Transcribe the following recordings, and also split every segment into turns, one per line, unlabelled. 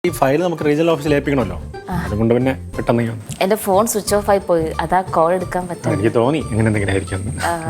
ഈ ഫയൽ നമുക്ക് റീജിയണൽ ഓഫീസിൽ ഏൽപ്പിക്കണമല്ലോ, അതുകൊണ്ട് പിന്നെ പെട്ടെന്ന്
എന്റെ ഫോൺ സ്വിച്ച് ഓഫ് ആയി പോയി, അതാ കോൾ എടുക്കാൻ പറ്റും.
എനിക്ക് തോന്നി ഇങ്ങനെ എന്തെങ്കിലും ആയിരിക്കും.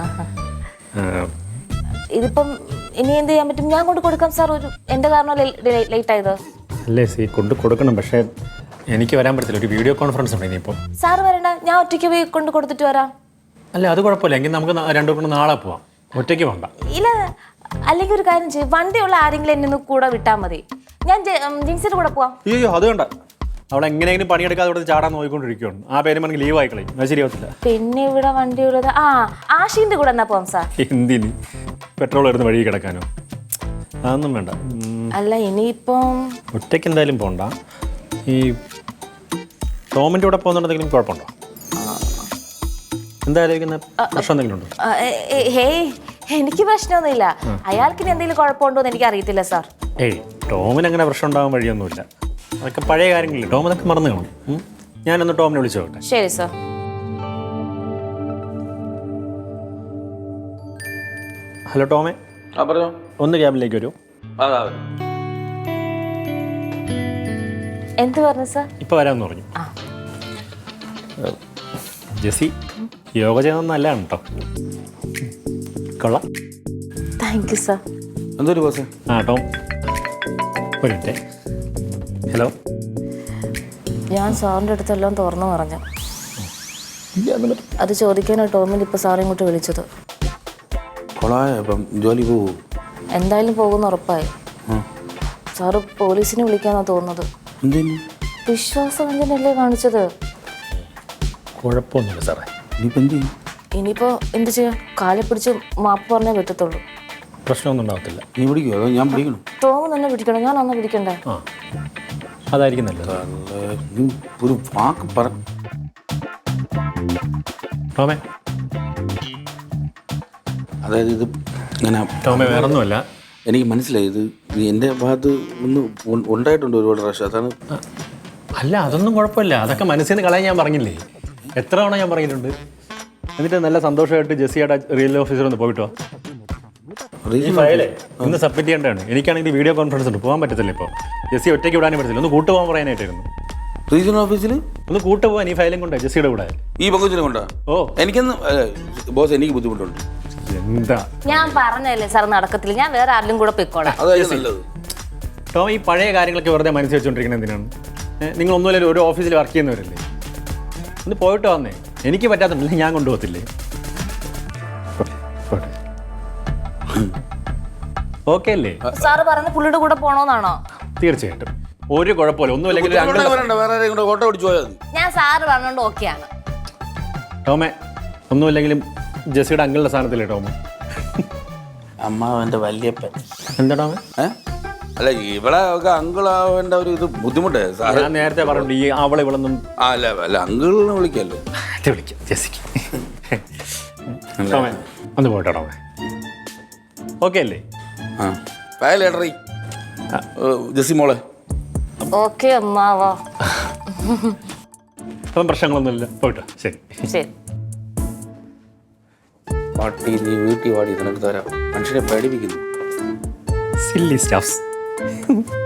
ഇതിപ്പം ഇനി എന്ത് ചെയ്യാൻ പറ്റും? ഞാൻ കൊണ്ട് കൊടുക്കാം സാർ. എന്റെ കാരണം ലേറ്റ് ആയത്
അല്ലേ? സി കൊണ്ട് കൊടുക്കണം, പക്ഷേ എനിക്ക് വരാൻ പറ്റത്തില്ല. ഒരു വീഡിയോ കോൺഫറൻസ് ഉണ്ട് ഇനിയിപ്പോൾ.
സാർ വരണ്ട, ഞാൻ ഒറ്റയ്ക്ക് പോയി കൊണ്ട് കൊടുത്തിട്ട് വരാം.
അല്ല അത് കുഴപ്പമില്ല, എങ്കിൽ നമുക്ക് രണ്ടു കൊണ്ട് നാളെ പോവാം, ഒറ്റയ്ക്ക് പോകണ്ട.
ഇല്ല, അല്ലെങ്കിൽ ഒരു കാര്യം ചെയ്യും, വണ്ടിയുള്ള ആരെങ്കിലും എന്നെ കൂടെ വിട്ടാൽ മതി. ഞാൻ ജിൻസിയുടെ കൂടെ പോവാം.
അയ്യോ അത് വേണ്ട, അവിടെ എങ്ങനെയെങ്കിലും പണിയെടുക്കാതെ ഇവിടെ ചാടാൻ നോക്കിക്കൊണ്ടിരിക്കുകയാണ്. ആ പേര് എനിക്ക് ലീവ് ആയിക്കളയും, അത് ശരിയാവത്തില്ല.
പിന്നെ ഇവിടെ വണ്ടിയുള്ളത് ആഷിന്റെ കൂടെ എന്നാ പോവാം സാർ.
എന്തിന് പെട്രോൾ വരുന്ന വഴി കിടക്കാനോ? അതൊന്നും വേണ്ട.
അല്ല ഇനിയിപ്പം
ഒറ്റയ്ക്ക് എന്തായാലും പോകണ്ട. ഈ ടോമിൻ്റെ കൂടെ പോകുന്നുണ്ടെങ്കിലും കുഴപ്പമുണ്ടോ? എന്തായാലും പ്രശ്നം എന്തെങ്കിലും ഉണ്ടോ?
ഹേയ്, എനിക്ക് പ്രശ്നമൊന്നുമില്ല. അയാൾക്ക് ഇനി എന്തെങ്കിലും കുഴപ്പമുണ്ടോ എന്ന് എനിക്ക് അറിയത്തില്ല സാർ.
ഏയ്, ടോമിന് അങ്ങനെ പ്രശ്നം ഉണ്ടാകാൻ വഴിയൊന്നുമില്ല. അതൊക്കെ പഴയ കാര്യങ്ങളില്ല, ടോം അതൊക്കെ മറന്നു കാണും. ഞാനൊന്ന് ടോമിനെ വിളിച്ചു നോക്കട്ടെ.
ശരി സാർ.
ഹലോ ടോമേ.
പറഞ്ഞോ.
ഒന്ന് ക്യാബിലേക്ക് വരൂ.
എന്ത് പറഞ്ഞു സാർ?
ഇപ്പൊ വരാമെന്ന് പറഞ്ഞു. ജെസി യോഗ ചെയ്യുന്നത് നല്ലതാണ് കേട്ടോ, കൊള്ളാം.
Thank you sir.
എന്തൊരു ബോസ്?
ടോം ഒരു മിനിറ്റ്. ഹലോ.
ഞാൻ സാറിൻ്റെ അടുത്തെല്ലാം തുറന്നു പറഞ്ഞു. അത് ചോദിക്കാനോ ടോമിന് ഇപ്പോൾ സാറെ ഇങ്ങോട്ട് വിളിച്ചത്.
ജോലി പോകും.
എന്തായാലും പോകുന്ന ഉറപ്പായി. സാറ് പോലീസിനെ വിളിക്കാന്നാ തോന്നുന്നത്. വിശ്വാസവഞ്ചനല്ലേ കാണിച്ചത്?
കുഴപ്പമൊന്നുമില്ല സാറേ.
ഇനിയിപ്പോ എന്ത് ചെയ്യാം? കാലെ പിടിച്ച് മാപ്പ് പറഞ്ഞേ പറ്റത്തുള്ളൂ.
പ്രശ്നമൊന്നും ഉണ്ടാകത്തില്ല.
നീ പിടിക്കുമോ അതോ ഞാൻ പിടിക്കണം?
ടോം തന്നെ പിടിക്കണം, ഞാൻ അന്ന് പിടിക്കണ്ടേ?
അതായിരിക്കും നല്ലത്.
ഒരു വാക്ക് പറ
ടോമേ.
അതായത് ഇത് ഇങ്ങനെ
ടോമേ വേറൊന്നുമല്ല,
എനിക്ക് മനസ്സിലായി. ഇത് എൻ്റെ ഭാഗത്ത് ഒന്ന് ഉണ്ടായിട്ടുണ്ട് ഒരുപാട് പ്രാവശ്യം, അതാണ്.
അല്ല അതൊന്നും കുഴപ്പമില്ല, അതൊക്കെ മനസ്സിൽ നിന്ന് കളയാൻ ഞാൻ പറഞ്ഞില്ലേ, എത്ര തവണ ഞാൻ പറഞ്ഞിട്ടുണ്ട്. എന്നിട്ട് നല്ല സന്തോഷമായിട്ട് ജെസ്സിയുടെ റിയൽ ഓഫീസർ ഒന്ന് പോയിട്ടോ. ഈ ഫയലേ ഒന്ന് സബ്മിറ്റ് ചെയ്യേണ്ടതാണ്. എനിക്കാണെങ്കിൽ വീഡിയോ കോൺഫറൻസ് ഉണ്ട്, പോകാൻ പറ്റത്തില്ല. ഇപ്പോൾ ജെസ്സി ഒറ്റയ്ക്ക് വിടാനും പറ്റത്തില്ല, ഒന്ന് കൂട്ടുപോകാൻ പറയാനായിട്ടായിരുന്നു.
റീജിയണൽ ഓഫീസിൽ
ഒന്ന് കൂട്ടുപോകാൻ ഈ ഫയലും കൊണ്ട് ജെസ്സിയുടെ കൂടെ.
ഈ പങ്കുവച്ചിനെ കൊണ്ടാ?
ഓ
എനിക്കൊന്ന് ബോസ്, എനിക്ക് ബുദ്ധിമുട്ടുണ്ട്.
എന്താ
ഞാൻ പറഞ്ഞല്ലേ സാർ, നടക്കത്തില്ല. ഞാൻ വേറെ ആരിലും കൂടെ പൊയ്ക്കോളാം.
അതായത് നല്ലത്.
ടോം ഈ പഴയ കാര്യങ്ങളൊക്കെ വെറുതെ മനസ്സിൽ വെച്ചുകൊണ്ടിരിക്കുന്നത് എന്തിനാണ്? നിങ്ങൾ ഒന്നുമില്ല ഒരു ഓഫീസിൽ വർക്ക് ചെയ്യുന്നവരല്ലേ, ഒന്ന് പോയിട്ട് വന്നേ. എനിക്ക് പറ്റാത്തുണ്ടല്ലേ, ഞാൻ കൊണ്ടുപോകത്തില്ലേ? ഓക്കെ അല്ലേ?
സാറ് പറഞ്ഞ പുള്ളിയുടെ കൂടെ പോണോന്നാണോ?
തീർച്ചയായിട്ടും, ഒരു കുഴപ്പമില്ല. ഒന്നുമില്ലെങ്കിൽ
ഓട്ടോ ഓടിച്ചു പോയാൽ മതി.
ഞാൻ സാറ് പറഞ്ഞോണ്ട് ഓക്കെയാണ്.
ടോമേ ഒന്നുമില്ലെങ്കിലും ജെസ്സിയുടെ അങ്കിളുടെ സ്ഥാനത്തില്ലേ ടോം?
അമ്മാവൻ്റെ വല്യപ്പൻ.
എന്താ ടോമേ?
അല്ല ഇവിടെ ഒക്കെ അങ്കിളാവേണ്ട ഒരു ഇത് ബുദ്ധിമുട്ടേ സാറ്.
ഞാൻ നേരത്തെ പറഞ്ഞിട്ടുണ്ട് ഈ അവളെ ഇവളൊന്നും.
അല്ല അല്ല അങ്കിളിനെ വിളിക്കാമല്ലോ.
വിളിക്കാം ജെസ്സിക്ക്. ടോമേ ഒന്ന് പോയിട്ടോ ടോമേ, ഓക്കെ അല്ലേ?
ഫയലേട്ടറി ജെസ്സി മോളെ.
ഓക്കെ അമ്മാവാ.
അപ്പം പ്രശ്നങ്ങളൊന്നുമില്ല, പോയിട്ടോ. ശരി
ശരി.
പാട്ടി നീ വീട്ടിൽ വാടി നിനക്ക് തരാം. മനുഷ്യനെ പേടിപ്പിക്കുന്നു.
Silly staffs.